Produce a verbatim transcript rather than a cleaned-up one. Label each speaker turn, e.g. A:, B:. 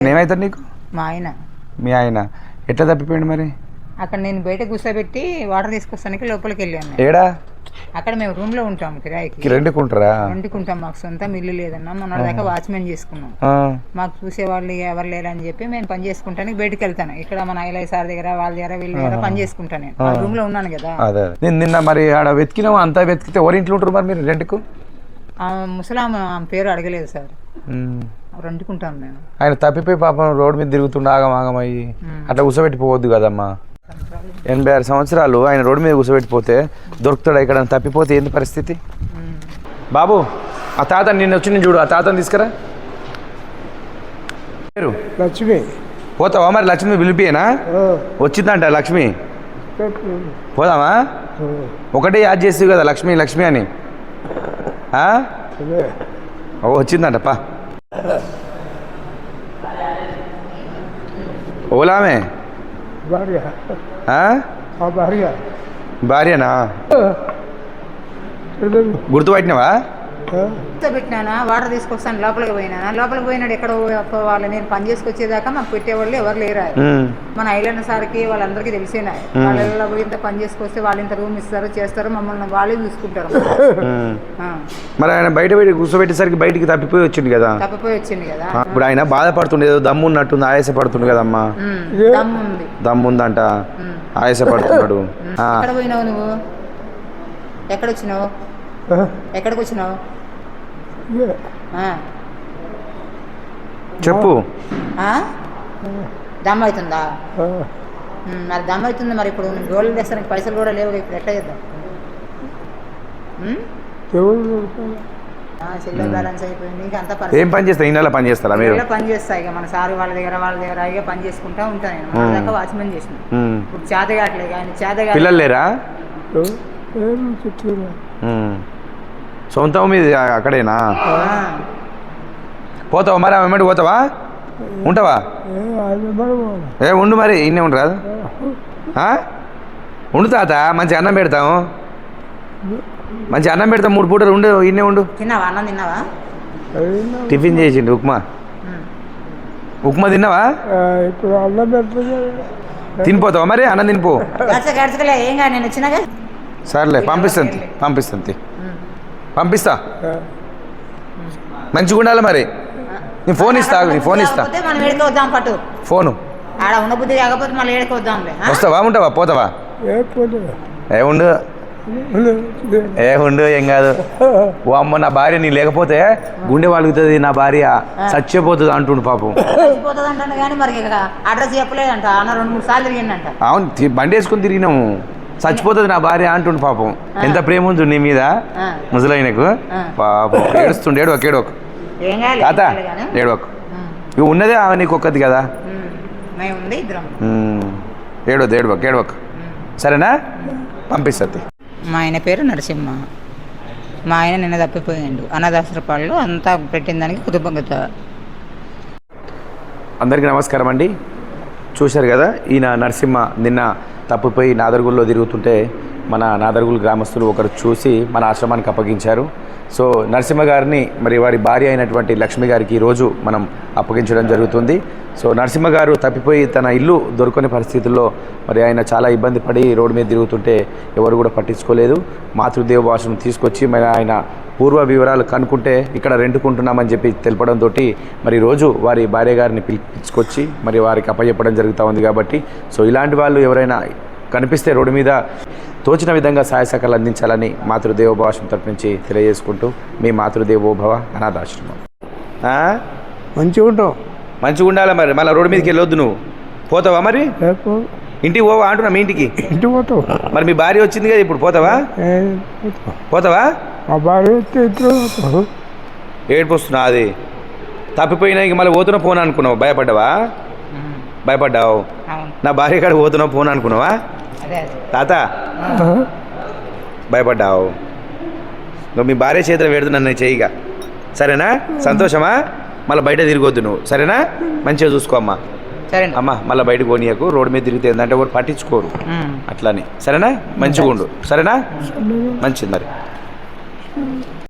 A: ఏమవుతాడు నీకు?
B: మా ఆయన.
A: మీ ఆయన ఎట్లా తప్పిపోయాడు మరి?
B: అక్కడ నేను బయట కూర్చోబెట్టి వాటర్ తీసుకొస్తానికి లోపలికి వెళ్ళాను.
A: ఏడా?
B: అక్కడ మేము రూమ్ లో ఉంటాం, కిరాయికి
A: రెండుకుంటారా?
B: రెండుకుంటాం. మాకు సొంతం ఇల్లు లేదన్నా, మొన్న దాకా వాచ్మెన్ చేసుకున్నాం. మాకు చూసేవాళ్ళు ఎవరు లేరని చెప్పి మేము పని చేసుకుంటానికి బయటకు వెళ్తాను. ఇక్కడ మన ఐలై సార్ దగ్గర వాళ్ళ దగ్గర వీళ్ళ దగ్గర పని చేసుకుంటాను. నేను రూమ్ లో ఉన్నాను కదా.
A: నేను నిన్న మరి ఆడ వెతికినావు, అంతా వెతికితే ఎవరి ఇంట్లో ఉంటారు మరి మీరు రెండుకు?
B: ముసలాం పేరు అడగలేదు సార్, రెండుకుంటాం మేము.
A: ఆయన తప్పిపోయి పాపం రోడ్డు మీద తిరుగుతుండే ఆగం ఆగమయ్యి అట్లా కూర్చోబెట్టిపోవద్దు కదమ్మా. ఎనభై ఆరు సంవత్సరాలు ఆయన రోడ్డు మీద కూర్చోబెట్టిపోతే దొరుకుతాడా? ఇక్కడ తప్పిపోతే ఏంది పరిస్థితి? బాబు ఆ తాత నిన్న వచ్చి నేను చూడు, ఆ తాతని తీసుకురా. పేరు
C: లక్ష్మి.
A: పోతావా మరి? లక్ష్మి పిలిపియేనా? వచ్చిందంట లక్ష్మి. పోదామా? ఒకటే యాద్ చేసి కదా లక్ష్మి లక్ష్మి అని. ఓ వచ్చిందంట పా. ఓలామే భార్యనా? గుర్తుపట్టినవా?
B: పెట్టినా వాటర్ తీసుకొస్తాను లోపలికి పోయినా. లోపలికి పోయినాడు ఎక్కడ పోవాలి, నేను పని చేసుకొచ్చేదాకా మాకు పెట్టేవాళ్ళు ఎవరు లేరా. మన ఐలన్న సార్కి వాళ్ళందరికీ తెలిసినా వాళ్ళ పోయి ఇంత పని చేసుకొస్తే వాళ్ళు ఇంత రూమ్ ఇస్తారు చేస్తారు, మమ్మల్ని వాళ్ళే చూసుకుంటారు.
A: మరి ఆయన బయట బయట కూర్చోబెట్టేసరికి బయటికి తప్పిపోయి వచ్చింది కదా.
B: తప్పిపోయి వచ్చింది కదా.
A: ఇప్పుడు ఆయన బాధపడుతుండే, ఏదో దమ్ము ఉన్నట్టుంది, ఆయాస పడుతుంది కదమ్మా.
B: దమ్ముంది,
A: దమ్ముందంట, ఆయాస పడుతున్నాడు.
B: ఎక్కడ పోయినావు నువ్వు? ఎక్కడ వచ్చినావు? ఎక్కడికి వచ్చినావు
A: చెప్పు.
B: దమ్ అవుతుందా? మరి దమ్ అవుతుంది. మరి ఇప్పుడు గోల్డ్ తెస్తానికి పైసలు కూడా లేవు, ఇప్పుడు ఎట్లా చేద్దాం? సిల్వర్ బ్యాలెన్స్ అయిపోయింది. ఇంకా అంతా
A: ఏం పని చేస్తా? ఈ నెల పని చేస్తారా మీరు?
B: పని చేస్తా ఇక మన సార్ వాళ్ళ దగ్గర వాళ్ళ దగ్గర ఇక పని చేసుకుంటా ఉంటాను. నేను దాకా వాచ్మెన్ చేసిన. ఇప్పుడు చేత కావట్లేదు. ఆయన చేత కాదు.
A: పిల్లలు లేరా? సొంతం మీద అక్కడేనా? పోతావా మరి? ఆమె వెంబడి పోతావా? ఉంటావా? ఏ ఉండు మరి, ఇన్నే ఉండు రాదు. ఉండు తాత, మంచి అన్నం పెడతాము, మంచి అన్నం పెడతాం, మూడు పూటలు ఉండు, ఇన్నే ఉండు.
B: తిన్నావా? అన్నం తిన్నావా?
A: టిఫిన్ చేసిండు, ఉప్మా. ఉప్మా తిన్నావా? తినిపోతావా మరి? అన్నం తినిపో.
B: ఏం కాదు, నేను వచ్చినాగా.
A: సర్లే పంపిస్తాను, పంపిస్తాను, పంపిస్తా. మంచిగా ఉండాలి మరి. నీ ఫోన్ ఇస్తా, నీ ఫోన్ ఇస్తా.
B: మనం ఏడుకోవద్దాం పట్టు
A: ఫోను.
B: ఆడ ఉన్న బుద్ధి కాకపోతే మళ్ళీ ఏడుకోవద్దాంలే.
A: వస్తావా? ఉంటావా? పోతావా? ఏ ఉండు, ఏ ఉండు, ఏం కాదు. ఓ అమ్మ, నా భార్య నీ లేకపోతే గుండె వాలుగుతుంది, నా భార్య చచ్చిపోతుంది అంటుండు పాపం.
B: చచ్చిపోతుంది అంటాను కానీ మరి అడ్రస్ చెప్పలేదంట. అన్న రెండు మూడు సార్లు తిరిగిందంట.
A: అవును, బండి వేసుకుని తిరిగినాము. చచ్చిపోతుంది నా భార్య అంటుండు పాపం. ఎంత ప్రేమ ఉంది నీ మీద ముసలైనకు పాపం. ఏడుస్తుండే, ఏడవకు ఏడవకు తాత, ఏడవకు. ఇవి ఉన్నదే ఆమె నీకు ఒక్కది కదా. ఏడవద్దు, ఏడవకు ఏడవకు, సరేనా? పంపిస్తుంది.
B: మా ఆయన పేరు నరసింహ. మా ఆయన నిన్న తప్పిపోయాడు. అనాథాశ్రపాల్లో అంతా పెట్టిన దానికి కృతజ్ఞత.
A: అందరికీ నమస్కారం అండి. చూశారు కదా, ఈయన నరసింహ నిన్న తప్పిపోయి నాదర్గుల్లో తిరుగుతుంటే మన నాదర్గుల్ గ్రామస్తులు ఒకరు చూసి మన ఆశ్రమానికి అప్పగించారు. సో నరసింహ గారిని మరి వారి భార్య అయినటువంటి లక్ష్మి గారికి ఈరోజు మనం అప్పగించడం జరుగుతుంది. సో నరసింహ గారు తప్పిపోయి తన ఇల్లు దొరకని పరిస్థితుల్లో మరి ఆయన చాలా ఇబ్బంది పడి రోడ్డు మీద తిరుగుతుంటే ఎవరు కూడా పట్టించుకోలేదు. మాతృదేవ భాషను తీసుకొచ్చి మరి ఆయన పూర్వ వివరాలు కనుక్కుంటే ఇక్కడ రెండుకుంటున్నామని చెప్పి తెలపడంతో మరి రోజు వారి భార్య గారిని పిలిపించుకొచ్చి మరి వారికి అప్పచెప్పడం జరుగుతూ ఉంది. కాబట్టి సో ఇలాంటి వాళ్ళు ఎవరైనా కనిపిస్తే రోడ్డు మీద తోచిన విధంగా సహాయ సహకారాలు అందించాలని మాతృదేవోభవ తరపు నుంచి తెలియజేసుకుంటూ మీ మాతృదేవోభవ అనాథాశ్రమం.
C: మంచిగా ఉంటావు,
A: మంచిగా ఉండాలి మరి. మళ్ళీ రోడ్డు మీదకి వెళ్ళొద్దు. నువ్వు పోతావా మరి? ఇంటికి పోవా అంటున్నా. మీ ఇంటికి
C: ఇంటికి పోతావు
A: మరి? మీ భార్య వచ్చింది కదా ఇప్పుడు, పోతావా? పోతావా?
C: మా భార్య
A: ఏడుపు వస్తున్నా. అది తప్పిపోయినా ఇంక మళ్ళీ పోతున్నా ఫోన్ అనుకున్నావు, భయపడ్డావా? భయపడ్డావు. నా భార్య కాడ పోతున్నా ఫోన్ అనుకున్నావా తాత? భయపడ్డావు. నువ్వు మీ భార్య చేతిలో పెడుతున్నా నన్ను చెయ్యిగా, సరేనా? సంతోషమా? మళ్ళీ బయట తిరగొద్దు నువ్వు, సరేనా? మంచిగా చూసుకో అమ్మా. అమ్మా మళ్ళీ బయటకు పోనీయకు. రోడ్డు మీద తిరిగితే ఏంటంటే ఎవరు పట్టించుకోరు అట్లని, సరేనా? మంచిగా ఉండు, సరేనా? మంచిది మరి.